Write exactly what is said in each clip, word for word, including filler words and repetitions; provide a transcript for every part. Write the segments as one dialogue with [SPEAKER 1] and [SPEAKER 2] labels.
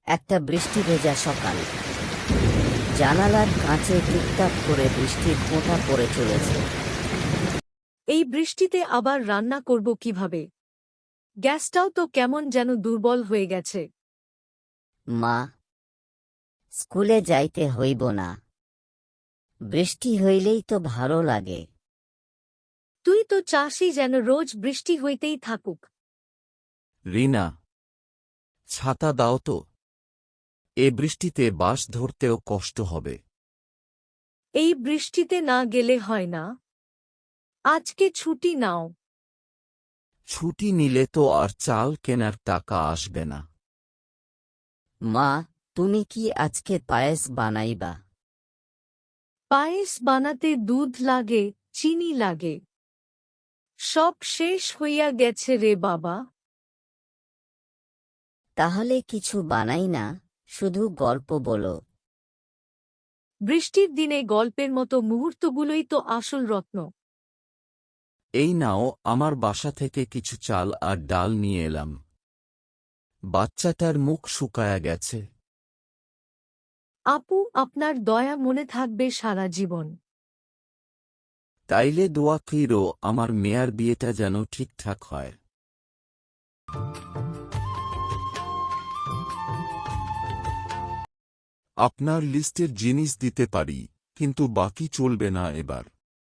[SPEAKER 1] একটা বৃষ্টি ভেজা সকাল। জানালার কাঁচে টুকটাক করে বৃষ্টির ফোঁটা পড়ে চলেছে।
[SPEAKER 2] এই বৃষ্টিতে আবার রান্না করব কিভাবে? গ্যাসটাও তো কেমন যেন দুর্বল হয়ে গেছে।
[SPEAKER 1] মা, স্কুলে যাইতে হইব না। বৃষ্টি হইলেই তো ভালো লাগে।
[SPEAKER 2] তুই তো চাসই যেন রোজ বৃষ্টি হইতেই থাকুক।
[SPEAKER 3] রিনা, ছাতা দাও তো। এ বৃষ্টিতে বাস ধরতেও কষ্ট হবে।
[SPEAKER 2] এই বৃষ্টিতে না গেলে হয় না। আজকে ছুটি নাও।
[SPEAKER 3] ছুটি নিলে তো আর চাল কেনার টাকা আসবে না।
[SPEAKER 1] মা, তুমি কি আজকে পায়েস বানাইবা?
[SPEAKER 2] পায়েস বানাতে দুধ লাগে, চিনি লাগে। সব শেষ হইয়া গেছে রে বাবা।
[SPEAKER 1] তাহলে কিছু বানাই না, শুধু গল্প বলো।
[SPEAKER 2] বৃষ্টির দিনে গল্পের মতো মুহূর্তগুলোই তো আসল রত্ন।
[SPEAKER 3] এই নাও, আমার বাসা থেকে কিছু চাল আর ডাল নিয়ে এলাম। বাচ্চাটার মুখ শুকায়া গেছে।
[SPEAKER 2] আপু, আপনার দয়া মনে থাকবে সারা জীবন।
[SPEAKER 3] তাইলে দোয়া কইরো আমার মেয়ার বিয়েটা যেন ঠিকঠাক হয়।
[SPEAKER 4] আপনার লিস্টের জিনিস দিতে পারি, কিন্তু বাকি চলবে না এবার।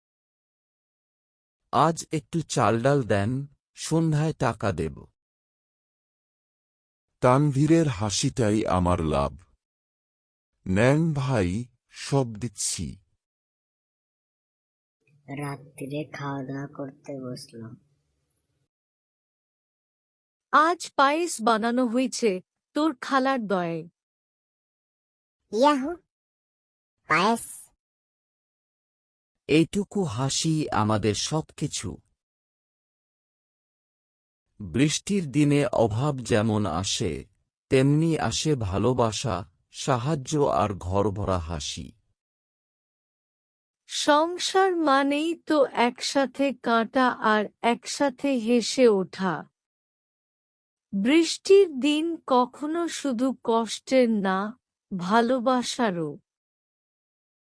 [SPEAKER 3] আজ একটু চাল ডাল দেন, সন্ধ্যায় টাকা দেব।
[SPEAKER 4] তানভীরের হাসিটাই আমার লাভ। নেন ভাই, সব দিচ্ছি।
[SPEAKER 5] রাত্রিরে খাওয়া দাওয়া করতে বসলো।
[SPEAKER 2] আজ পায়েস বানানো হয়েছে তোর খালার দয়ায়।
[SPEAKER 5] ইয়াহু, পায়েস।
[SPEAKER 3] এইটুকু হাসি আমাদের সবকিছু। বৃষ্টির দিনে অভাব যেমন আসে, তেমনি আসে ভালোবাসা, সাহায্য আর ঘরভরা হাসি।
[SPEAKER 2] সংসার মানেই তো একসাথে কাটা আর একসাথে হেসে ওঠা। বৃষ্টির দিন কখনো শুধু কষ্টের না, ভালোবাসারও।